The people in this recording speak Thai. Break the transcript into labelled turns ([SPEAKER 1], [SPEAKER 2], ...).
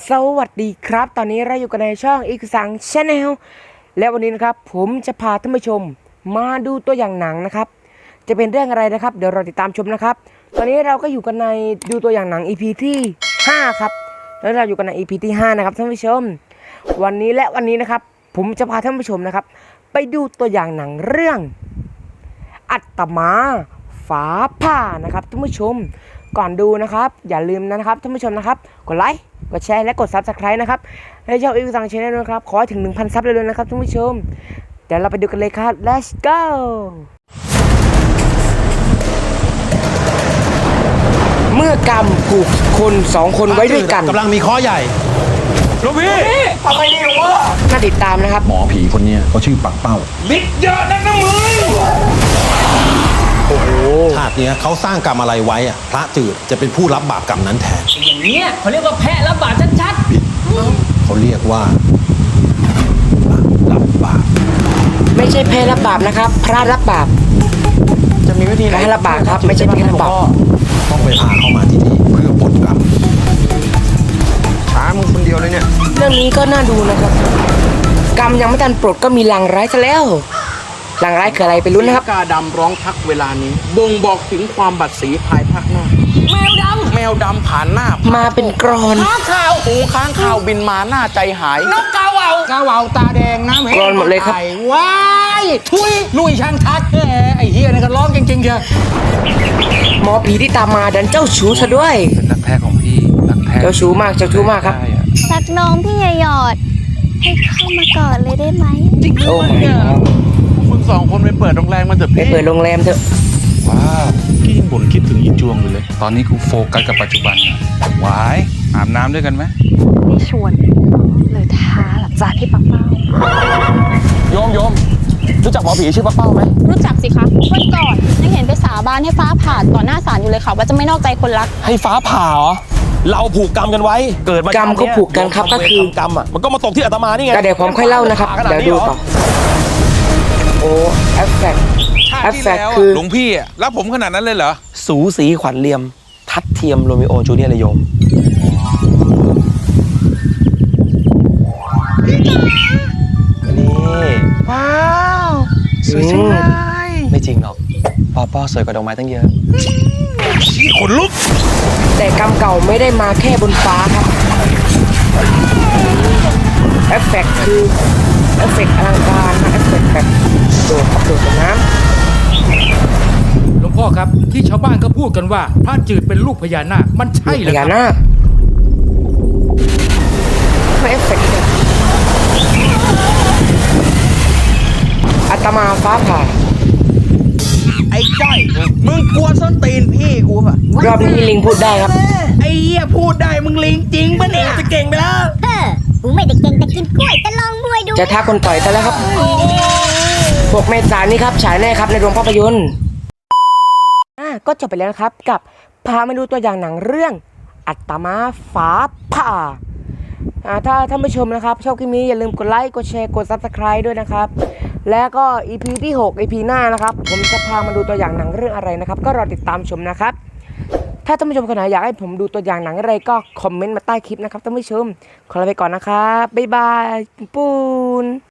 [SPEAKER 1] สวัสดีครับตอนนี้เราอยู่กันในช่องอีกสังชาแนลและวันนี้นะครับผมจะพาท่านผู้ชมมาดูตัวอย่างหนังนะครับจะเป็นเรื่องอะไรนะครับเดี๋ยวเราติดตามชมนะครับตอนนี้เราก็อยู่กันในดูตัวอย่างหนัง EP ที่5ครับแล้วเราอยู่กันใน EP ที่5นะครับท่านผู้ชมวันนี้นะครับผมจะพาท่านผู้ชมนะครับไปดูตัวอย่างหนังเรื่องอัตมาฟ้าผ่านะครับท่านผู้ชมก่อนดูนะครับอย่าลืมนะครับท่านผู้ชมนะครับกดไลค์กดแชร์และกด Subscribe นะครับให้ช่องอีกสังชาแนลนะครับขอให้ถึง 1,000 ซับเลยนะครับท่านผู้ชมเดี๋ยวเราไปดูกันเลยครับ Let's go เมื่อกรรมผูกคน2 คนไว้ด้วยกัน
[SPEAKER 2] กำลังมีข้อใหญ่
[SPEAKER 3] หลวงพี่ทำไมดีวะ
[SPEAKER 1] น่าติดตามนะครับ
[SPEAKER 2] หมอผีคนนี้เขาชื่อปักเป้า
[SPEAKER 3] ลิกเยอะนะมึง
[SPEAKER 2] โอ้โหชาตินี้เขาสร้างกรรมอะไรไว้อะพระจืดจะเป็นผู้รับบาปกรรมนั้นแทน
[SPEAKER 4] อย่างนี้เขาเรียกว่าแพะรับบาปชัด
[SPEAKER 2] ๆเขาเรียกว่ารับบาป
[SPEAKER 1] ไม่ใช่แพ้รับบาปนะครับพระรับบาป
[SPEAKER 3] จะมีวิธีไหน
[SPEAKER 1] ให้รับบาปครับไม่ใช่แพ้รับบาป
[SPEAKER 2] ต้องไปพาเข้ามาที่นี่เพื่อปลดกรรม
[SPEAKER 3] ช้ามึงคนเดียวเลยเนี่ย
[SPEAKER 1] เรื่องนี้ก็น่าดูนะครับกรรมยังไม่ทันปลดก็มีลางร้ายซะแล้วลางร้ายคืออะไรไปลุ้นนะครับ
[SPEAKER 3] กาดำร้องทักเวลานี้บ่งบอกถึงความบัดสีภายภาคหน้าแมวดำผ่านหน้า
[SPEAKER 1] มาเป็นกรอน
[SPEAKER 3] ค้างข่าวหูค้างข่าวบินมาหน้าใจหาย
[SPEAKER 4] นกกาเหว่า
[SPEAKER 3] ตาแดงน้ำ
[SPEAKER 1] กรอนหมดเลยครับ
[SPEAKER 4] ว้ายทุยลุยช่างทักไอ้เฮียนี่ก็ร้องจริงๆเชียว
[SPEAKER 1] หมอผีที่ตามมาดันเจ้าชู้ซะด้วย
[SPEAKER 3] เป็นรักแท้ของพี่รักแท้
[SPEAKER 1] เจ้าชู้มากครับ
[SPEAKER 5] รักน้องพี่หยอดให้เข้ามากอดเลยได้ไหม
[SPEAKER 1] โอ้ย
[SPEAKER 3] มึง2 คนไปเปิดโรงแรมมันเถอะพี่
[SPEAKER 1] ไปเปิดโรงแรมเถอะ
[SPEAKER 3] ว้าวพี่ยังบ่นคิดถึงอีจวงอยู่เลยตอนนี้กูโฟกัสกับปัจจุบันวายอาบน้ำด้วยกันไหม
[SPEAKER 5] ไม่ชวนเลยท้าหลับจากที่ปักเป้า
[SPEAKER 3] โยมรู้จักหมอผีชื่อปักเป้าไหม
[SPEAKER 5] รู้จักสิคะวันก่อนยังเห็นไปสาบานให้ฟ้าผ่าต่อหน้าศาลอยู่เลยค่ะว่าจะไม่นอกใจคนรัก
[SPEAKER 3] ให้ฟ้าผ่าเหรอเราผูกกรรมกันไว้เกิดมาก
[SPEAKER 1] รรมก็ผูกกันครับก็คือก
[SPEAKER 3] รรมอ่ะมันก็มาตกที่อาตมานี่ไง
[SPEAKER 1] ก็เดี๋ยวผมค่อยเล่านะครับเดี๋ยวดูต่อโอ้เอฟเฟกต์คือ
[SPEAKER 3] หลวงพี่อ่ะรับผมขนาดนั้นเลยเหรอ
[SPEAKER 1] สูสีขวัญเลียมทัดเทียมโรมิโอจูเลียเลยโยม
[SPEAKER 3] นี่ว้าวสวยจังเลย
[SPEAKER 1] ไม่จริงหรอกป้อสวยกว่าดอกไม้ตั้งเยอะ
[SPEAKER 3] ชี้ขนลุก
[SPEAKER 1] แต่กรรมเก่าไม่ได้มาแค่บนฟ้าครับเอฟเฟกต์คือเอฟเฟกต์อลังการนะเอฟเฟกต์แบบโดดกับน้
[SPEAKER 6] หลวงพ่อครับที่ชาวบ้านก็พูดกันว่าพระจืดเป็นลูกพญานาคมันใช่
[SPEAKER 1] ำ
[SPEAKER 6] เหรอครับ
[SPEAKER 1] พญานาคไม่เอฟเฟกต์อาตมาฟ้าผ่า
[SPEAKER 3] ไอ้จ้อยมึงกลัวส้นตีนพี่กูป่ะ
[SPEAKER 1] รอบนี้ลิงพูดได้ครับ
[SPEAKER 3] ไอ้เหี้ยพูดได้มึงลิงจริงป่ะเนี่ยจะเก่งไปแล้ว
[SPEAKER 5] กูไม่ได้เก่งแต่กินกล้วยแต่ลองมวยดู
[SPEAKER 1] จะท้าคนต่อยซะแล้วครับ6 เมษายนนี้ครับฉายแน่ครับในโรงภาพยนตร์ก็จบไปแล้วครับกับพามาดูตัวอย่างหนังเรื่องอัตมาฟ้าผ่าถ้าท่านผู้ชมนะครับชอบคลิปนี้อย่าลืมกดไลค์กดแชร์กด Subscribe ด้วยนะครับแล้วก็ EP ที่6 EP หน้านะครับผมจะพามาดูตัวอย่างหนังเรื่องอะไรนะครับก็รอติดตามชมนะครับถ้าท่านผู้ชมคนไหนอยากให้ผมดูตัวอย่างหนังอะไรก็คอมเมนต์มาใต้คลิปนะครับท่านผู้ชมขอลาไปก่อนนะครับบ๊ายบายปูน